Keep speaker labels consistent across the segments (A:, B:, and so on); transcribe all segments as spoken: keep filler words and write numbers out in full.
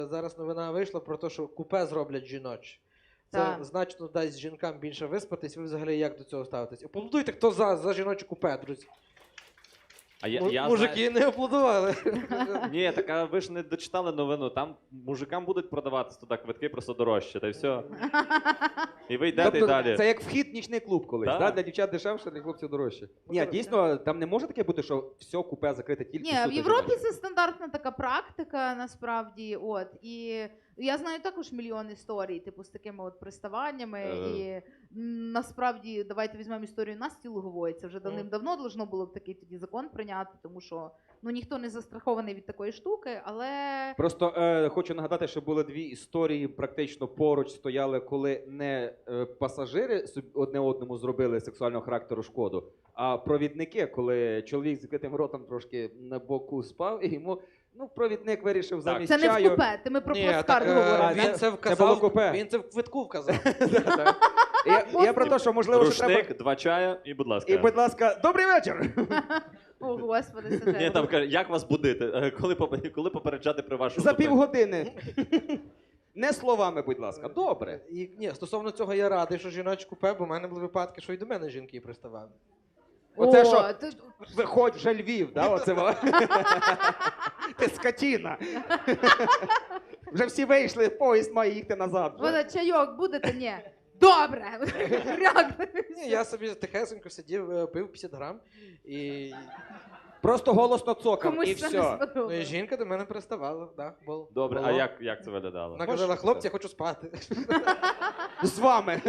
A: Зараз новина вийшла про те, що купе зроблять жіночі. Це
B: Так.
A: значно дасть жінкам більше виспатись. Ви взагалі як до цього ставитесь? Аплодуйте, хто за, за жіноче купе, друзі.
C: А я,
A: Му-
C: я
A: Мужики не аплодували.
C: знаю... Ні, так а ви ж не дочитали новину. Там мужикам будуть продаватися туди квитки просто дорожче, та й все. І ви йдете
D: Тобто,
C: і далі.
D: це як вхід в нічний клуб колись,
C: Да.
D: да? Для дівчат дешевше, для хлопців дорожче. Ні, дійсно, там не може таке бути, що все купе закрите тільки
B: Ні, в
D: суто
B: Європі
D: жіноче?
B: це стандартна така практика, насправді. От. І я знаю також мільйон історій, типу, з такими от приставаннями.
C: Е.
B: І м, насправді, давайте візьмемо історію Насті Лугової. Це вже давним-давно должно було б такий тоді закон прийняти, тому що ну, ніхто не застрахований від такої штуки, але...
D: Просто е, хочу нагадати, що були дві історії, практично поруч стояли, коли не е, пасажири собі- одне одному зробили сексуального характеру шкоду, а провідники, коли чоловік з закритим ротом трошки на боку спав, і йому ну, провідник вирішив замість
B: Це не в
D: чаю...
B: купе, ти ми про
A: Ні,
B: плацкарт
A: так, е,
B: говоримо.
A: він
B: да?
A: це
D: було
A: вказав,
D: купе.
A: він це в квитку вказав.
D: Да-да. Я, я про те, що можливо, що треба...
C: Рушник, два чая і, будь ласка.
D: І, будь ласка, добрий вечір!
B: О, господи, це
C: Ні,
B: треба.
C: там каже, як вас будити? Е, Коли, поп- коли попереджати про вашу
D: За
C: зупинку?
D: півгодини. Не словами, будь ласка. Добре.
A: І, ні, стосовно цього я радий, що жіноче купе, бо в мене були випадки, що і до мене жінки приставали.
D: Оце
B: О,
D: що?
B: ти-
D: Виходь вже Львів, да? Оце во. Ти скотіна. Вже всі вийшли, поїзд має їхати назад. вже.
B: Вона чайок будете? Ні. Добре. Ряк.
A: Ні, я собі тихесенько сидів, е, пив п'ятдесят грам, і,
D: Просто голосно цокав, і
B: Комусь це не
D: все.
A: ну, і
B: сподобалось.
A: жінка до мене приставала. Да, було.
C: Добре, а
A: Було.
C: як, як це виглядало?
A: Вона казала, хлопці, я хочу спати.
D: З вами.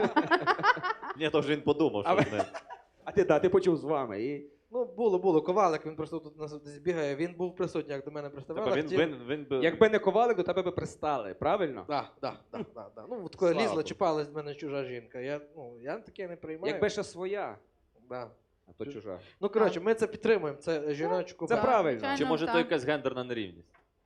C: Ні, то вже він подумав,
D: А
C: що
D: ви-
C: не.
D: А ти, да, ти почув з вами. І...
A: Ну, було, було. Ковалик, він просто тут нас десь бігає. Він був присутній, як до мене приставала.
C: Тобто він,
A: хотів-
C: він, він, би-
D: Якби не ковалик, до тебе би пристали, правильно?
A: Да, да, да, да, да. Ну, от коли
D: Слава
A: лізла,
D: Богу.
A: чіпалась в мене чужа жінка. Я, ну, я таке не приймаю.
D: Якби ще своя,
A: Да.
D: а то чужа.
A: Ну, коротше, ми це підтримуємо. Це жіночку.
D: Це
B: Так,
D: правильно.
B: звичайно,
C: Чи може
B: так.
C: то якась гендерна нерівність?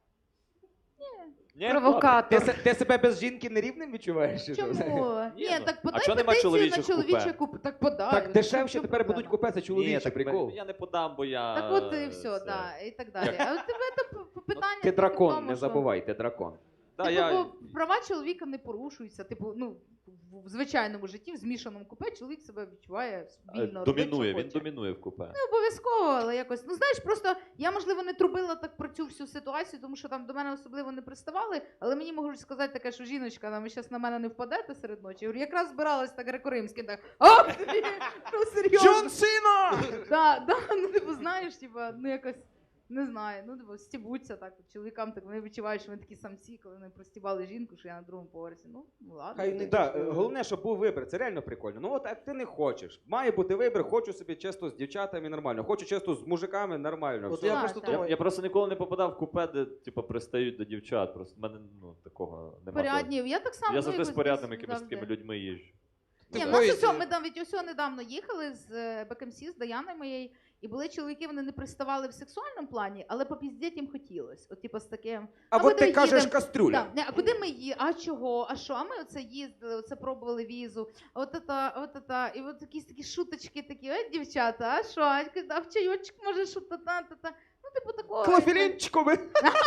C: Ні. Ні?
D: Ти,
B: Провокатор.
D: се- ти себе без жінки нерівним відчуваєш? чи що?
B: Чому?
C: Ні,
B: Ні,
C: ну,
B: так
C: а
B: подай
C: чого нема
B: петицію на
C: чоловічих
B: чоловіче
C: купе?
B: купе. Так подай.
D: Так
B: Ну,
D: дешевше
B: що
D: тепер
B: проблема?
D: будуть купе, це
C: Ні,
D: чоловічий
C: так
D: прикол.
C: Я не подам, бо я...
B: Так от і все,
C: це-
B: да, і так далі.
C: Як?
B: А у тебе це п- питання
D: Ти
B: тільки в
D: дракон,
B: тому,
D: не
B: що-
D: забувай, ти дракон.
C: Да,
B: Типу,
C: я...
B: бо права чоловіка не порушуються. Типу, ну, в звичайному житті, в змішаному купе, чоловік себе відчуває
C: е,
B: вільно, робить,
C: Домінує,
B: що
C: він
B: хоче.
C: домінує в купе.
B: Не обов'язково, але якось. Ну знаєш, просто я, можливо, не трубила так про цю всю ситуацію, тому що там до мене особливо не приставали, але мені можуть сказати таке, що жіночка, ну, ви зараз на мене не впадете серед ночі. Я говорю, якраз збиралась так греко-римським, так, ох, ти, ну серйозно.
D: Джон Сіна!
B: Да, да, ну типу, знаєш, типу, ну якось. Не знаю, ну типу, стібуться так. от Чоловікам так вони відчувають, що вони такі самці, коли вони простібали жінку, що я на другому поверсі. Ну, ну ладно.
A: Хай не
D: Да, е, головне, щоб був вибір, це реально прикольно. Ну от як ти не хочеш. Має бути вибір, хочу собі чисто з дівчатами нормально, хочу чисто з мужиками нормально.
A: От
D: все.
A: я
B: Так,
A: просто
B: так.
C: Я,
A: думаю,
C: я просто ніколи не попадав в купе, де типу, пристають до дівчат. Просто в мене ну, такого немає.
B: Порядні. Я так само.
C: Я
B: ну,
C: завжди з
B: якось
C: порядними
B: десь
C: якимись
B: завжди.
C: такими людьми їжджу.
B: Ні,
A: Ти
B: в нас
A: поїзді-
B: усьо, ми навіть усьо недавно їхали з е, БКМС, з Даяною моєю, і були чоловіки, вони не приставали в сексуальному плані, але попіздіть їм хотілося. От типу з таким.
D: А
B: ми
D: от ти
B: де
D: кажеш
B: їдемо?
D: каструля.
B: Да, не, а куди ми їдемо? А чого? А що? А ми оце їздили, оце пробували візу. А от это, от это. І от якісь такі шуточки такі, ой, дівчата, а що? А а в чайочок може що та та та та. Ну, типу такого.
D: Клофелінчикове.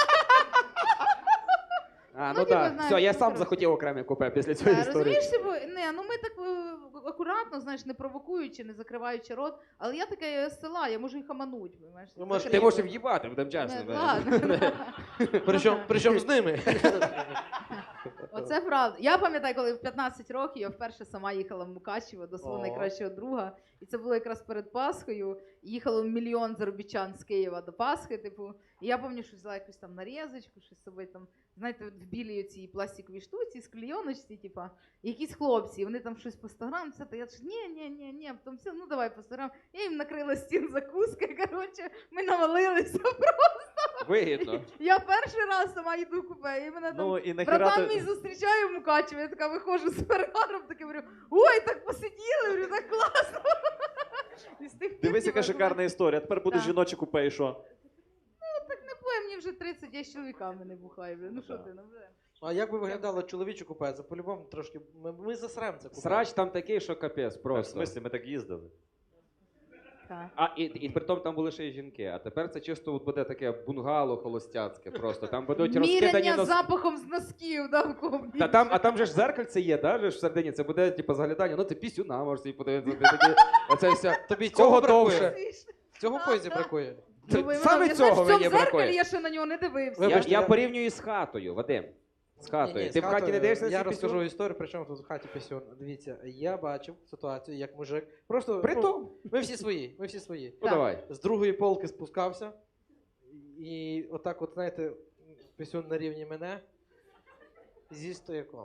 D: А,
B: Ну,
D: ну
B: типу,
D: так,
B: знаєш,
D: все, я
B: ну,
D: сам
B: коротше.
D: захотів окреме купе після цієї
B: Да,
D: історії.
B: розумієш, типу, не, ну ми так е, акуратно, знаєш, не провокуючи, не закриваючи рот, але я таке з села, я можу їх хамануть, розумієш?
A: Ну, може,
D: Ти можеш в'їбати, будемо чесно.
B: Не, ладно.
A: причому, причому з ними.
B: Оце правда. Я пам'ятаю, коли в п'ятнадцять років я вперше сама їхала в Мукачево до свого
A: О.
B: найкращого друга. І це було якраз перед Пасхою. Їхало мільйон заробітчан з Києва до Пасхи. Типу, і я пам'ятаю, що взяла якусь там нарізочку, щось з собою там, знаєте, в білій цій пластиковій штуці, з клейоночці, типу, і якісь хлопці, і вони там щось по сто грам, все, то я ж ні, ні, ні, ні, потім все, ну давай по сто грам. Я їм накрила стін закуски, коротше, ми навалилися.
D: Вигідно.
B: Я перший раз сама їду в купе, і мене там
C: Ну і нахера
B: братан
C: ти...
B: мій зустрічає в Мукачеві, я така виходжу з перегаром, таке говорю, ой, так посиділи, говорю, так класно. І з тих пір,
C: Дивись, яка
B: типу,
C: шикарна історія. Тепер буде
B: Так.
C: жіноче купе і що?
B: не буває, мені вже тридцять, я з чоловіками не бухаю, блін, ну що
C: Так.
B: ти, ну вже.
A: А як би виглядало чоловіче купе? Це по-любому трошки. Ми, ми засрем це купе.
D: Срач там такий, що капець
C: В
D: просто.
C: смислі, ми так їздили.
B: Так.
D: А і, і при тому там були ще й жінки. А тепер це чисто от буде таке бунгало холостяцьке. Просто там будуть розкидані
B: Міряння
D: носки.
B: запахом з носків, да, в комнаті.
D: Та там, а там же ж зеркальце є, да, же ж всередині. Це буде типу заглядання. Ну ти пісюна можеш собі подивитися. Ти такі, оце все.
A: Тобі
D: Кого
A: цього
D: довше?
A: бракує. Цього в поїзді бракує.
D: Це
B: Думаю,
D: саме
B: вона,
D: цього
B: знаєш, в цьому
D: мені
B: зеркалі
D: бракує.
B: я ще на нього не дивився.
D: Я,
A: Вибачте,
D: я
A: я-
D: порівнюю з хатою, Вадим. З хатою.
A: Ні-ні,
D: Ти
A: з
D: в хаті не
A: хатою
D: дивишся на
A: Я
D: цей
A: розкажу
D: пісюн?
A: історію, при чому тут в хаті пісюн. Дивіться, я бачив ситуацію, як мужик. Просто
D: При
A: ну,
D: тому.
A: ми всі свої, ми всі свої.
D: Ну
B: Так.
D: давай.
A: З другої полки спускався, і отак, от, знаєте, пісюн на рівні мене зі стояком.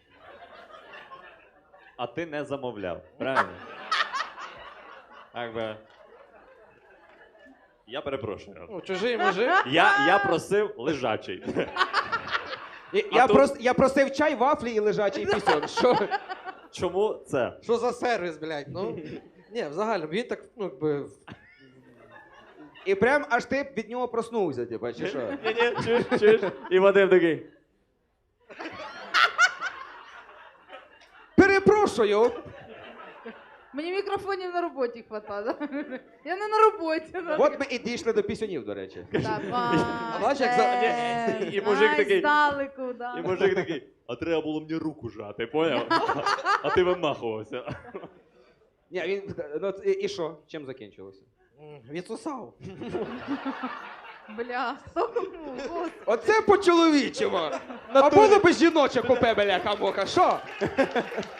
C: А ти не замовляв, правильно? Так би. Я перепрошую.
A: Ну, чужий мужик.
C: Я, я просив лежачий.
D: І-
C: А
D: Я,
C: тут-
D: прос, я просив чай, вафлі і лежачий пісюн. Що?
C: Чому це?
A: Що за сервіс, блядь? Ну, ні, взагалі, він так, ну, якби.
D: І прям аж ти від нього проснувся, типа, чи що?
C: Ні-ні, чуєш, чуєш? І Вадим такий.
D: Перепрошую!
B: Мені мікрофонів на роботі хватає. Да? Я не на роботі. Да.
D: От ми і дійшли до пісюнів, до речі.
B: Давай.
A: А бачиш, як за-
C: Ні, і мужик
B: Ай,
C: такий-
B: здалеку, да.
C: І мужик такий, а треба було мені руку жати, поняв? А ти вимахувався.
D: Ні, він. Ну, і, і що? Чим закінчилося?
A: м, Відсосав.
B: Бля, ну, господи.
D: Оце по-чоловічому! А було би жіноче купе, бляха-муха, що?